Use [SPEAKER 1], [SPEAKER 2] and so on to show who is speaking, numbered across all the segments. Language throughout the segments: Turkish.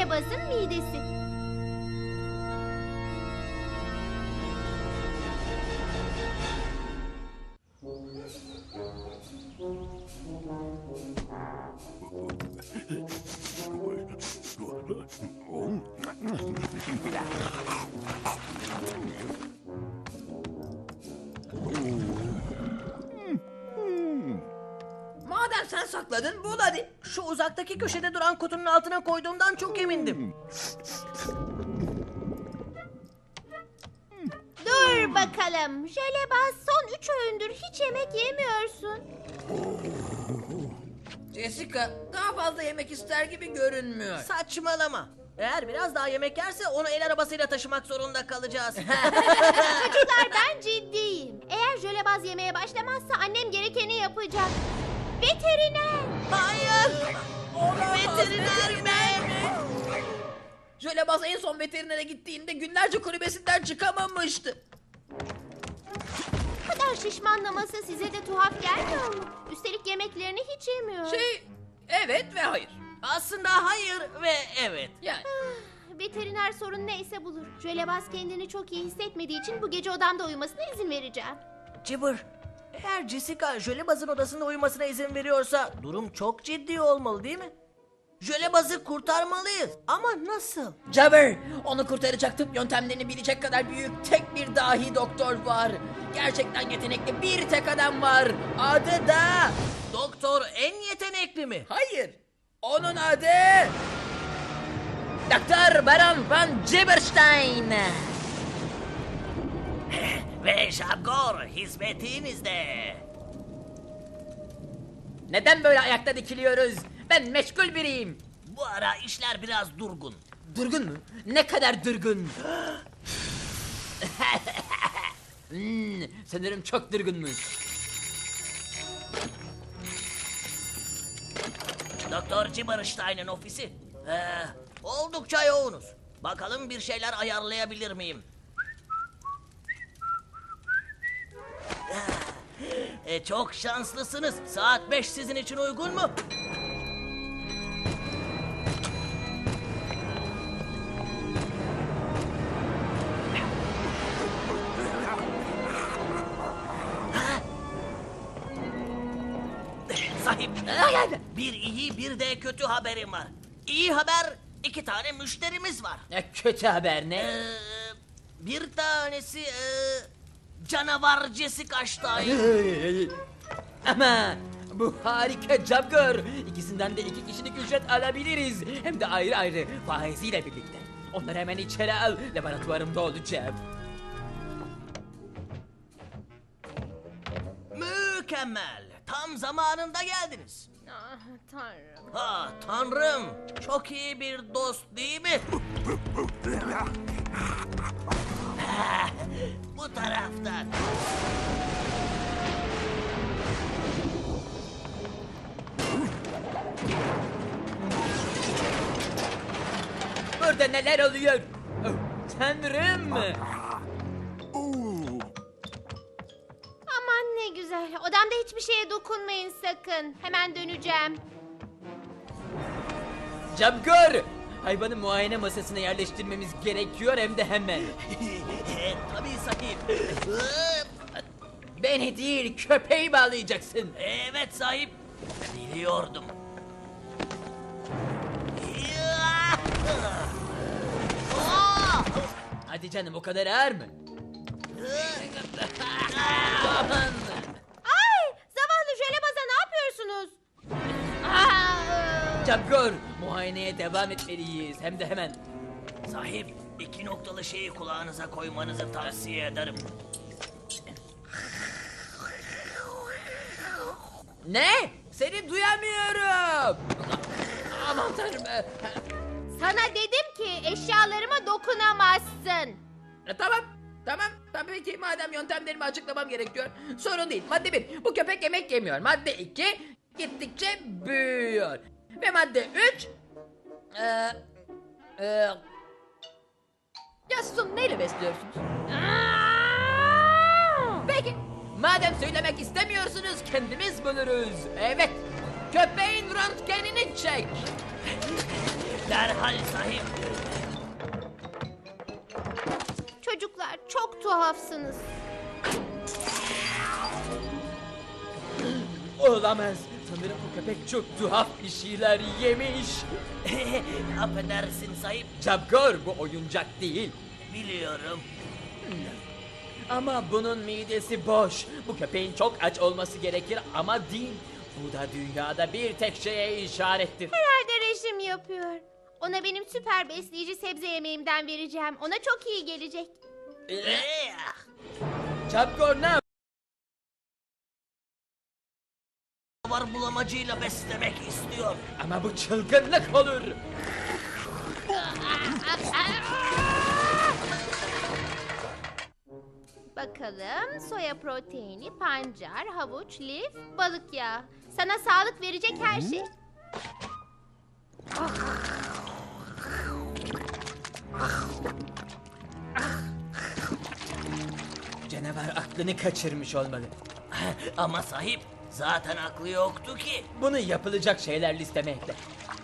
[SPEAKER 1] Jölebaz'ın midesi.
[SPEAKER 2] Madem sen sakladın, bul hadi. Şu uzaktaki köşede duran kutunun altına koyduğumdan çok emindim.
[SPEAKER 1] Dur bakalım. Jölebaz, son 3 öğündür hiç yemek yemiyorsun.
[SPEAKER 3] Jessica daha fazla yemek ister gibi görünmüyor.
[SPEAKER 2] Saçmalama. Eğer biraz daha yemek yerse onu el arabasıyla taşımak zorunda kalacağız.
[SPEAKER 1] Çocuklar, ben ciddiyim. Eğer Jölebaz yemeye başlamazsa annem gerekeni yapacak. Veteriner.
[SPEAKER 2] Hayır! Veteriner mi?
[SPEAKER 3] Jölebaz en son veterinere gittiğinde günlerce kulübesinden çıkamamıştı.
[SPEAKER 1] Bu kadar şişmanlaması size de tuhaf gelmiyor mu? Üstelik yemeklerini hiç yemiyor.
[SPEAKER 3] Evet ve hayır.
[SPEAKER 2] Aslında hayır ve evet.
[SPEAKER 3] Yani
[SPEAKER 1] Veteriner sorun neyse bulur. Jölebaz kendini çok iyi hissetmediği için bu gece odamda uyumasına izin vereceğim.
[SPEAKER 2] Cıbır, eğer Jessica Jölebaz'ın odasında uyumasına izin veriyorsa durum çok ciddi olmalı değil mi? Jölebaz'ı kurtarmalıyız ama nasıl?
[SPEAKER 3] Jabber, onu kurtaracak tıp yöntemlerini bilecek kadar büyük tek bir dahi doktor var. Gerçekten yetenekli bir tek adam var. Adı da...
[SPEAKER 2] Doktor en yetenekli mi?
[SPEAKER 3] Hayır. Onun adı... Doktor Baron von Jibberstein.
[SPEAKER 2] Ve Jabgor hizmetinizde.
[SPEAKER 3] Neden böyle ayakta dikiliyoruz? Ben meşgul biriyim.
[SPEAKER 2] Bu ara işler biraz durgun.
[SPEAKER 3] Durgun mu? Ne kadar durgun? Sanırım çok durgunmuş.
[SPEAKER 2] Doktor Jibberstein'in ofisi. Oldukça yoğunuz. Bakalım bir şeyler ayarlayabilir miyim? Çok şanslısınız. Saat 5 sizin için uygun mu? Sahip, bir iyi bir de kötü haberim var. İyi haber, 2 tane müşterimiz var.
[SPEAKER 3] Kötü haber ne?
[SPEAKER 2] Bir tanesi canavar Jessica Stein.
[SPEAKER 3] Ama bu harika Jabgor. İkisinden de 2 kişilik ücret alabiliriz. Hem de ayrı ayrı faiziyle birlikte. Onları hemen içeri al. Laboratuvarımda olacağım.
[SPEAKER 2] Mükemmel. Tam zamanında geldiniz.
[SPEAKER 1] Ah tanrım.
[SPEAKER 2] Ha tanrım. Çok iyi bir dost değil mi? Bu taraftan.
[SPEAKER 3] Burada neler oluyor? Oh, tanrım.
[SPEAKER 1] Aman ne güzel. Odamda hiçbir şeye dokunmayın sakın. Hemen döneceğim.
[SPEAKER 3] Jabgor! Hayvanı muayene masasına yerleştirmemiz gerekiyor hem de hemen.
[SPEAKER 2] Tabii sahip.
[SPEAKER 3] Beni değil, köpeği bağlayacaksın.
[SPEAKER 2] Evet sahip. Biliyordum.
[SPEAKER 3] Hadi canım, o kadar ağır mı? Aman!
[SPEAKER 1] Ay! Zavallı Jölebaz'a ne yapıyorsunuz?
[SPEAKER 3] Jabgor, muayeneye devam etmeliyiz hem de hemen.
[SPEAKER 2] Sahip, 2 noktalı şeyi kulağınıza koymanızı tavsiye ederim.
[SPEAKER 3] Ne? Seni duyamıyorum. Aman tanrım.
[SPEAKER 1] Sana dedim ki eşyalarıma dokunamazsın.
[SPEAKER 3] Tamam peki, madem yöntemlerimi açıklamam gerekiyor. Sorun değil. Madde 1, bu köpek yemek yemiyor. Madde 2, gittikçe büyüyor. Ve madde 3, ya siz onu neyle besliyorsunuz? Peki, madem söylemek istemiyorsunuz, kendimiz buluruz. Evet, köpeğin röntgenini çek.
[SPEAKER 2] Derhal sahip.
[SPEAKER 1] Çocuklar çok tuhafsınız.
[SPEAKER 3] Olamaz. Sanırım bu köpek çok tuhaf bir şeyler yemiş.
[SPEAKER 2] Affedersin sahip.
[SPEAKER 3] Cabgor, bu oyuncak değil.
[SPEAKER 2] Biliyorum.
[SPEAKER 3] Ama bunun midesi boş. Bu köpeğin çok aç olması gerekir ama değil. Bu da dünyada bir tek şeye işarettir.
[SPEAKER 1] Herhalde rejim yapıyor. Ona benim süper besleyici sebze yemeğimden vereceğim. Ona çok iyi gelecek.
[SPEAKER 3] Cabgor ne
[SPEAKER 2] Var bulamacıyla beslemek istiyor.
[SPEAKER 3] Ama bu çılgınlık olur.
[SPEAKER 1] Bakalım soya proteini, pancar, havuç, lif, balık yağı. Sana sağlık verecek her şey.
[SPEAKER 3] Canavar aklını kaçırmış olmalı.
[SPEAKER 2] Ama sahip zaten aklı yoktu ki.
[SPEAKER 3] Bunu yapılacak şeyler listeme ekle.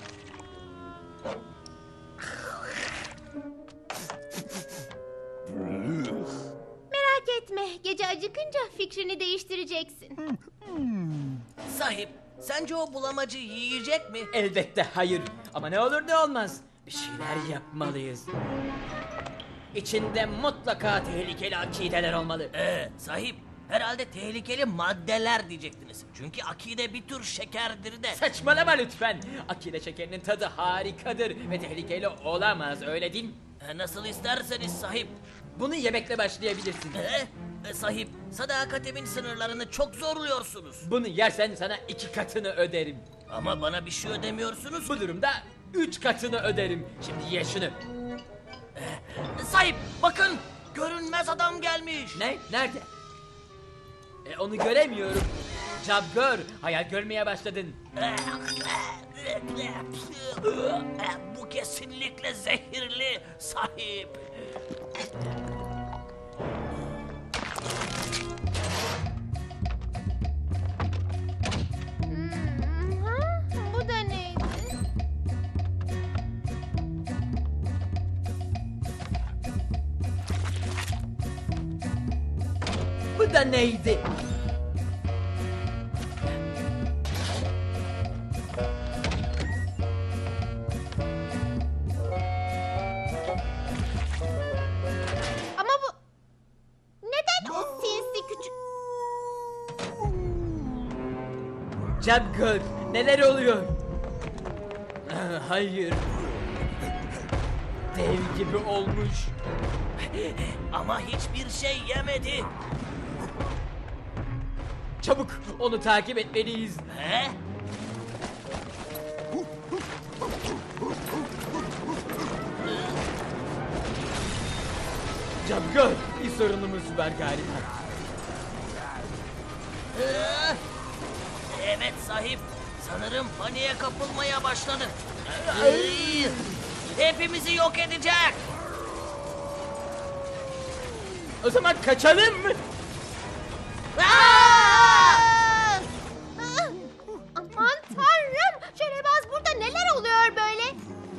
[SPEAKER 1] Merak etme, gece acıkınca fikrini değiştireceksin.
[SPEAKER 2] Sahip sence o bulamacı yiyecek mi?
[SPEAKER 3] Elbette hayır. Ama ne olur ne olmaz. Bir şeyler yapmalıyız. İçinde mutlaka tehlikeli akideler olmalı.
[SPEAKER 2] Sahip herhalde tehlikeli maddeler diyecektiniz. Çünkü akide bir tür şekerdir de.
[SPEAKER 3] Saçmalama lütfen. Akide şekerinin tadı harikadır ve tehlikeli olamaz, öyle değil mi?
[SPEAKER 2] Nasıl isterseniz sahip.
[SPEAKER 3] Bunu yemekle başlayabilirsin.
[SPEAKER 2] Sahip sadakatimin sınırlarını çok zorluyorsunuz.
[SPEAKER 3] Bunu yersen sana 2 katını öderim.
[SPEAKER 2] Ama bana bir şey ödemiyorsunuz.
[SPEAKER 3] Bu durumda 3 katını öderim. Şimdi ye şunu.
[SPEAKER 2] Sahip bakın görünmez adam gelmiş.
[SPEAKER 3] Ne? Nerede? Onu göremiyorum. Cabgor, hayal görmeye başladın.
[SPEAKER 2] Bu kesinlikle zehirli sahip.
[SPEAKER 1] Ha? Bu da neydi?
[SPEAKER 3] Bu da neydi?
[SPEAKER 1] Ama bu... Neden o sinsi küçük...
[SPEAKER 3] Cabgor, neler oluyor? Hayır. Dev gibi olmuş.
[SPEAKER 2] Ama hiçbir şey yemedi.
[SPEAKER 3] Çabuk onu takip etmeliyiz.
[SPEAKER 2] He?
[SPEAKER 3] Cabgor, bir sorunumuz var galiba.
[SPEAKER 2] Evet sahip. Sanırım paniğe kapılmaya başladı. Hepimizi yok edecek.
[SPEAKER 3] O zaman kaçalım mı?
[SPEAKER 1] Ah! Aman tanrım! Şörebaz burada neler oluyor böyle?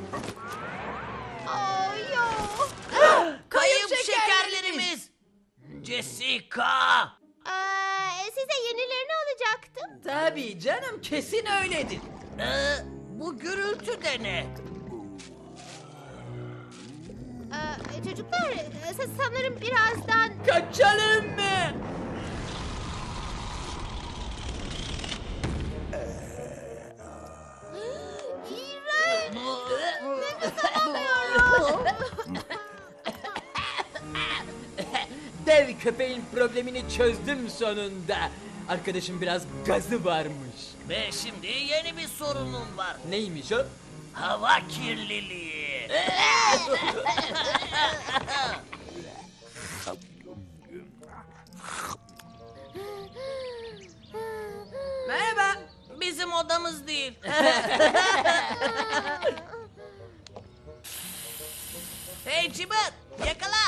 [SPEAKER 1] Ay yok.
[SPEAKER 2] Kayıp şekerlerimiz. Jessica.
[SPEAKER 1] Size yenilerini alacaktım.
[SPEAKER 3] Tabii canım, kesin öyledir.
[SPEAKER 2] Bu gürültü de ne?
[SPEAKER 1] Çocuklar sanırım birazdan...
[SPEAKER 3] Kaçalım mı?
[SPEAKER 1] İğrenç! Nefes alamıyorum.
[SPEAKER 3] Dev köpeğin problemini çözdüm sonunda. Arkadaşım biraz gazı varmış.
[SPEAKER 2] Ve şimdi yeni bir sorunum var.
[SPEAKER 3] Neymiş o?
[SPEAKER 2] Hava kirliliği. Merhaba. Bizim odamız değil. Hey Cibat, yakala.